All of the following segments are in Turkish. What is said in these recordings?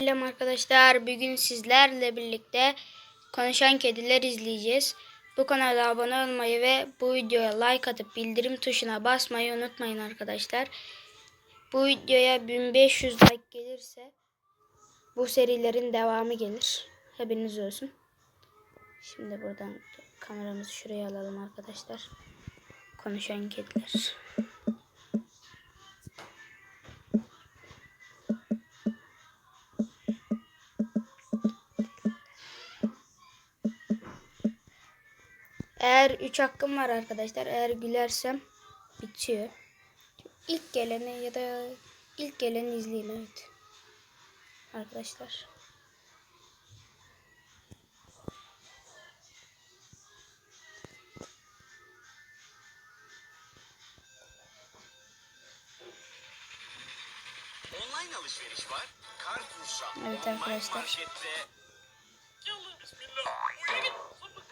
Selam arkadaşlar. Bugün sizlerle birlikte Konuşan Kediler izleyeceğiz. Bu kanala abone olmayı ve bu videoya like atıp bildirim tuşuna basmayı unutmayın arkadaşlar. Bu videoya 1500 like gelirse bu serilerin devamı gelir. Haberiniz olsun. Şimdi buradan kameramızı şuraya alalım arkadaşlar. Konuşan Kediler. Eğer 3 hakkım var arkadaşlar. Eğer gülersem bitiyor. İlk geleni ya da ilk geleni izleyin, evet. Arkadaşlar. Online alışveriş var. Carrefour'sa. Evet arkadaşlar. Markette. Yallah bismillah. Uyuya git.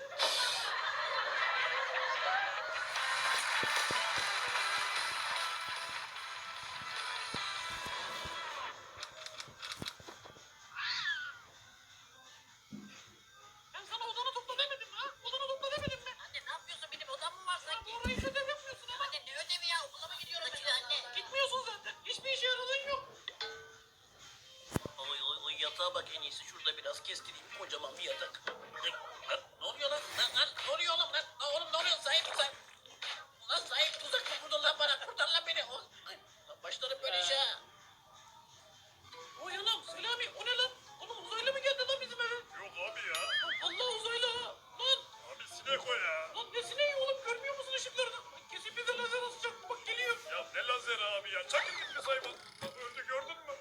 Ben sana odanı topla demedim mi ha? Odanı topla demedim mi? Anne ne yapıyorsun? Benim odam mı var sanki? Orayı ödev yapmıyorsun ama. Anne ne ödevi ya? Okula mı gidiyorum ben anne? Gitmiyorsun zaten. Hiçbir işe yaradığın yok. Oy yatağa bak, en iyisi şurada biraz kestireyim, kocaman bir yatak. Lan, ne oluyor lan? Lan, ne oluyor oğlum lan? Lan oğlum ne oluyor? Sahip. Lan sahip tuzak mı vurdun lan bana? Kurtar lan beni. Lan başlarım böyle işe ha. Oy anam Selami o ne lan? Oğlum uzaylı mı geldi lan bizim eve? Yok abi ya. Allah uzaylı ha. Lan. Abi sinek o ya. Lan ne sineği oğlum görmüyor musun ışıklarını? Kesin bize lazer atacak. Bak geliyor. Ya ne lazeri abi ya. Çakın gitmiş hayvan. Öldü gördün mü?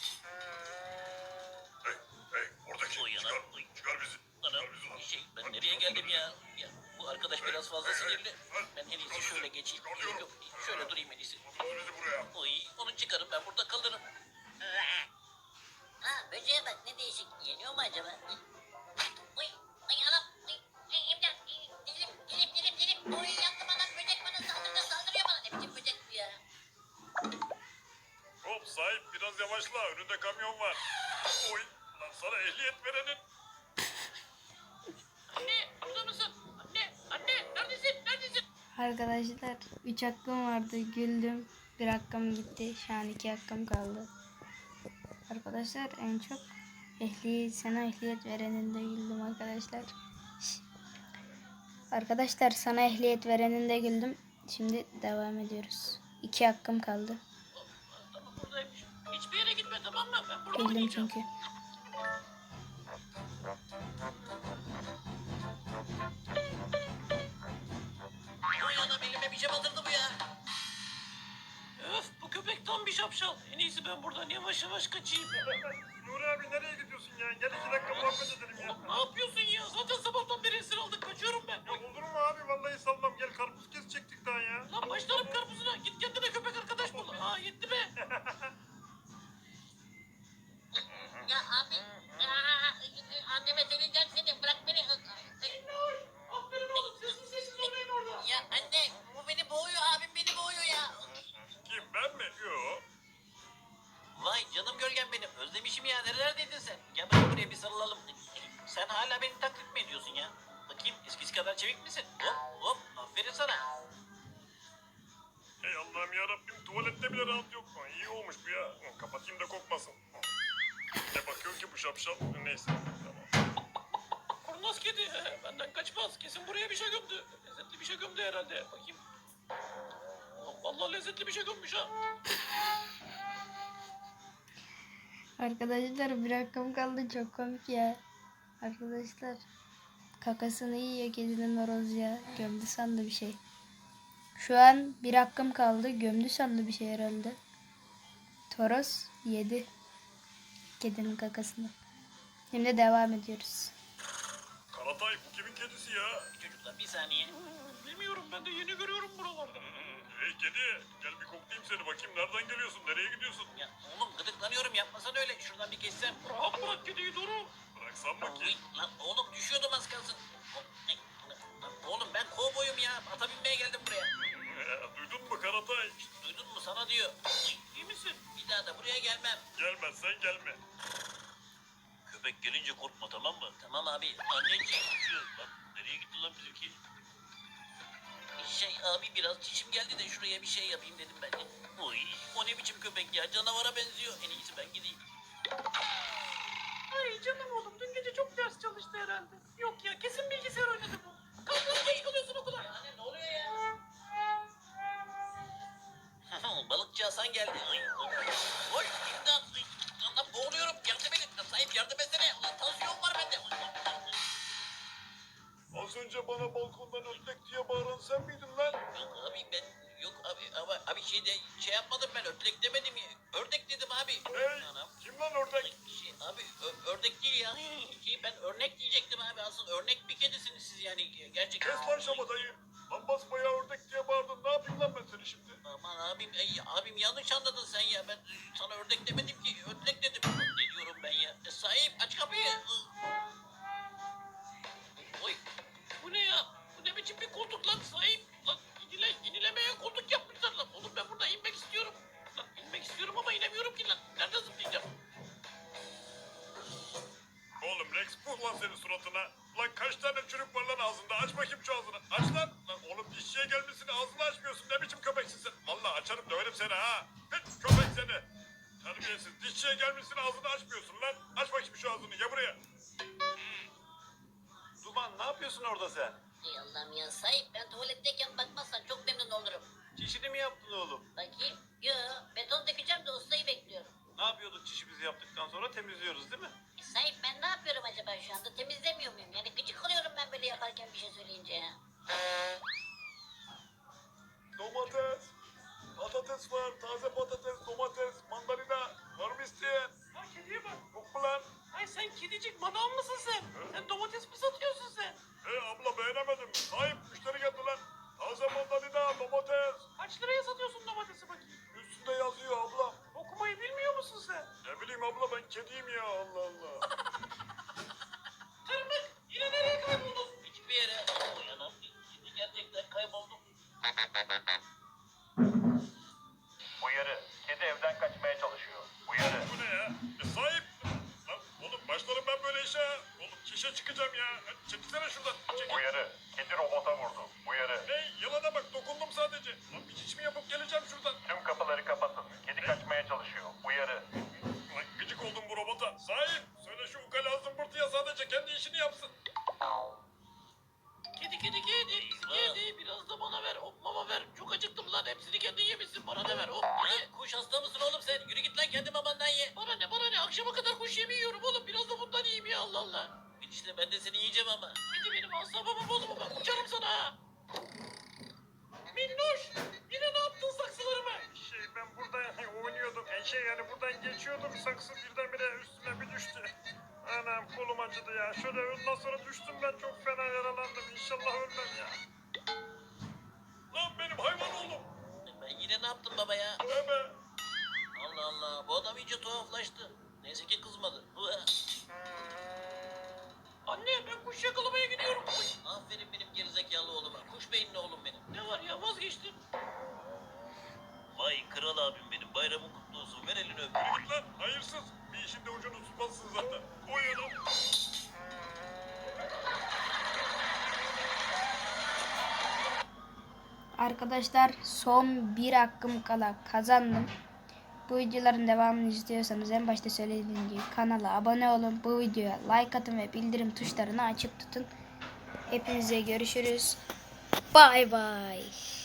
Hey oradaki. Oy Çıkar. anam. Oy. Çıkar bizi. Anam Çıkar bizi lan. ben Hadi, nereye çıkar geldim bizi. ya? Ya bu arkadaş biraz fazla sinirli. Ben en iyisi şöyle geçeyim. Çıkar diyorum. Yok, şöyle durayım en iyisi. Çıkar bizi buraya. Oy, onu çıkarım, ben burada kalırım. Ha, böceğe bak ne değişik. Yeniyor mu acaba? Oy, ay anam. Ay, imdat. Dilim. Oy yandım anam, böcek bana saldırıyor bana. Ne biçim böcek bu ya? Hop sahip biraz yavaşla. Önünde kamyon var. Oy. Lan sana ehliyet verenin. Anne burada mısın? Anne neredesin? Arkadaşlar 3 hakkım vardı. Güldüm. 1 hakkım gitti. Şu an 2 hakkım kaldı. Arkadaşlar en çok sana ehliyet vereninde güldüm arkadaşlar. Arkadaşlar sana ehliyet vereninde güldüm. Şimdi devam ediyoruz. 2 hakkım kaldı. Tamam buradaymış. Hiçbir yere gitme tamam mı? Ben burada Güldüm oynayacağım. çünkü. Oy anam, elime bir şey batırdı bu ya. Öf bu köpek tam bir şapşal. En iyisi ben buradan yavaş yavaş kaçayım. Nuri abi nereye gidiyorsun ya? Gel 2 dakika muhabbet edelim ya. Oğlum ne yapıyorsun ya? Zaten sabahtan beri esir aldık. Kaçıyorum ben. Ya olur mu abi? Vallahi sallam. Gel karpuz kesecektik daha ya. Lan başlarım karpuzuna. Git kendine köpek arkadaş bul. Aa yetti be. Ya abi. Anneme söyleyeceğim seni. Bırak beni. Aferin oğlum. Sessiz oynayın orada. Ya anne, bu beni boğuyor. Abim beni boğuyor ya. Kim ben mi? Yo. Vay canım gölgem benim. Özlemişim ya. Nerelerdeydin sen? Gel bakayım buraya bir sarılalım. Sen hala beni taklit mi ediyorsun ya? Bakayım eskisi kadar çevik misin? Hop. Aferin sana. Ey Allah'ım yarabbim tuvalette bile rahat yok. İyi olmuş bu ya. Kapatayım da kokmasın. Ne bakıyorsun ki bu şapşal? Neyse tamam. Kurnaz kedi. Benden kaçmaz. Kesin buraya bir şey gömdü. Lezzetli bir şey gömdü herhalde. Bakayım. Vallahi lezzetli bir şey gömmüş ha. Arkadaşlar 1 hakkım kaldı. Çok komik ya. Arkadaşlar kakasını yiyor kedinin horoz ya. Gömdü sandı bir şey. Şu an 1 hakkım kaldı. Gömdü sandı bir şey herhalde. Toros yedi kedinin kakasını. Şimdi devam ediyoruz. Karatay bu kimin kedisi ya? Çocuklar bir saniye. Bilmiyorum ben de yeni görüyorum buralarda. Hey kedi gel bir koklayayım seni bakayım nereden geliyorsun nereye gidiyorsun? Ya oğlum gıdıklanıyorum, yapmasan öyle. Şuradan bir geçsem. Rahat bırak kediyi Doru. Bıraksam mı Oy, ki? lan oğlum düşüyordum az kalsın. Lan oğlum ben kovboyum ya. Ata binmeye geldim buraya. Duydun mu Karatay? Duydun mu, sana diyor. Oy, İyi misin? bir daha da buraya gelmem. Gelmezsen gelme. köpek gelince korkma, tamam mı? Tamam abi. Anneciğim. Lan nereye gitti lan bizimki? Abi biraz çişim geldi de şuraya bir şey yapayım dedim ben de. Oy, o ne biçim köpek ya, canavara benziyor. En iyisi ben gideyim. Ay canım oğlum dün gece çok ders çalıştı herhalde. Yok ya kesin bilgisayar oynadı bu. Kalkın geç kalıyorsun okula. Anne ne oluyor ya? Balıkçı Hasan geldi. Ay, oy imdat. Ay, Allah'ım boğuluyorum. Yardım edin. Sahip yardım etsene. Ulan tansiyon var bende. Az önce bana balkondan ördek diye bağıran sen miydin lan? Yok abi ben yok abi ama abi şey yapmadım ben, ördek demedim ya. Ördek dedim abi. Hey, Anam. kim lan ördek? Abi ördek değil ya. Ben örnek diyecektim abi, aslında örnek bir kedisiniz siz yani gerçekten. Kes lan şamatayı. Lan basbayağı ördek diye bağırdın. Ne yapayım lan ben seni şimdi? Aman abim yanlış anladın sen ya. Ben sana ördek demedim ki, ördek dedim. Ne diyorum ben ya? Sahip aç kapıyı. Oy. Bu ne ya? Bu ne biçim bir koltuk lan sahip? Lan inilemeye koltuk yapmışlar lan. Oğlum ben burada inmek istiyorum. Lan inmek istiyorum ama inemiyorum ki lan. Nerede zıplayacağım? Oğlum Rex puh lan senin suratına. Lan kaç tane çürük var lan ağzında? Aç bakayım şu ağzını. Aç lan. Lan oğlum dişçiye gelmişsin ağzını açmıyorsun. Ne biçim köpeksin sen? Vallahi açarım döverim seni ha. Hiç köpek seni. Terbiyesiz. Dişçiye gelmişsin ağzını açmıyorsun lan. Aç bakayım şu ağzını. Ya buraya. Duman ne yapıyorsun orada sen? Ey Allah'ım ya sahip, ben tuvaletteyken bakmazsan çok memnun olurum. Çişini mi yaptın oğlum? Bakayım. Yo, beton dökeceğim de ustayı bekliyorum. Ne yapıyorduk çişimizi yaptıktan sonra temizliyoruz değil mi? Sahip ben ne yapıyorum acaba şu anda? Temizlemiyor muyum? Yani gıcık oluyorum ben böyle yaparken bir şey söyleyince ya. Domates. Patates var. Taze patates, domates, mandalina. Var mı isteyen? Ha kediye bak. Yok mu lan? Ay sen kedicik manav mısın sen? Sen domates mi satıyorsun sen? Abla beğenemedim. Sahip müşteri geldi lan. Taze mandalina, domates. Kaç liraya satıyorsun domatesi bakayım? Üstünde yazıyor abla. Okumayı bilmiyor musun sen? Ne bileyim abla ben kediyim ya Allah Allah. Tırmık yine nereye kayboldun? Hiçbir yere. Uyanam. Şimdi gerçekten kayboldum. Uyarı. Kedi evden kaçmaya çalışıyor. Uyarı. Bu ne ya? Sahip. Lan oğlum başlarım ben böyle işe. Oğlum çişe çıkacağım ya. Hadi çekilsene şuradan. Çekil. Uyarı. Kedi robota vurdu. Uyarı. Ne? Yalana bak dokundum sadece. Lan bir çiş mi yapıp geleceğim şuradan. Tüm kapıları kapatın. Kedi kaçmaya çalışıyor. Uyarı. Lan gıcık oldum bu robota. Sahip. Söyle şu ukala zımbırtıya sadece kendi işini yapsın. Kedi biraz da bana ver hop mama ver. Çok acıktım lan hepsini kendin yemişsin bana da ver hop. Ya kuş hasta mısın oğlum sen? Yürü git lan kendi mamandan ye. Bana ne akşama kadar kuş yemi yiyorum oğlum biraz da bundan yiyeyim ya Allah Allah. İşte ben de seni yiyeceğim ama. Bir de benim asabımı bozma bak uçarım sana ha. Minnoş yine ne yaptın saksılarıma? Ben burada oynuyordum. Yani buradan geçiyordum. Saksı birdenbire üstüme bir düştü. Anam kolum acıdı ya. Şöyle ondan sonra düştüm ben çok fena yaralandım. İnşallah ölmem ya. Lan benim hayvan oğlum. Ben yine ne yaptım baba ya? Ne be? Allah Allah, bu adam iyice tuhaflaştı. Neyse ki kızmadı. Anne ben kuş yakalamaya gidiyorum. Aferin benim gerizekalı oğluma. Kuş beyinli oğlum benim. Ne var ya vazgeçtim. Vay kral abim benim. Bayramın kutlu olsun. Ver elini öp. Yürü git lan. Hayırsız. Bir işin de ucunu tutmazsın zaten. Uyuyalım. Arkadaşlar son bir hakkım kala kazandım. Bu videoların devamını istiyorsanız en başta söylediğim gibi kanala abone olun. Bu videoya like atın ve bildirim tuşlarını açık tutun. Hepinize görüşürüz. Bay bay.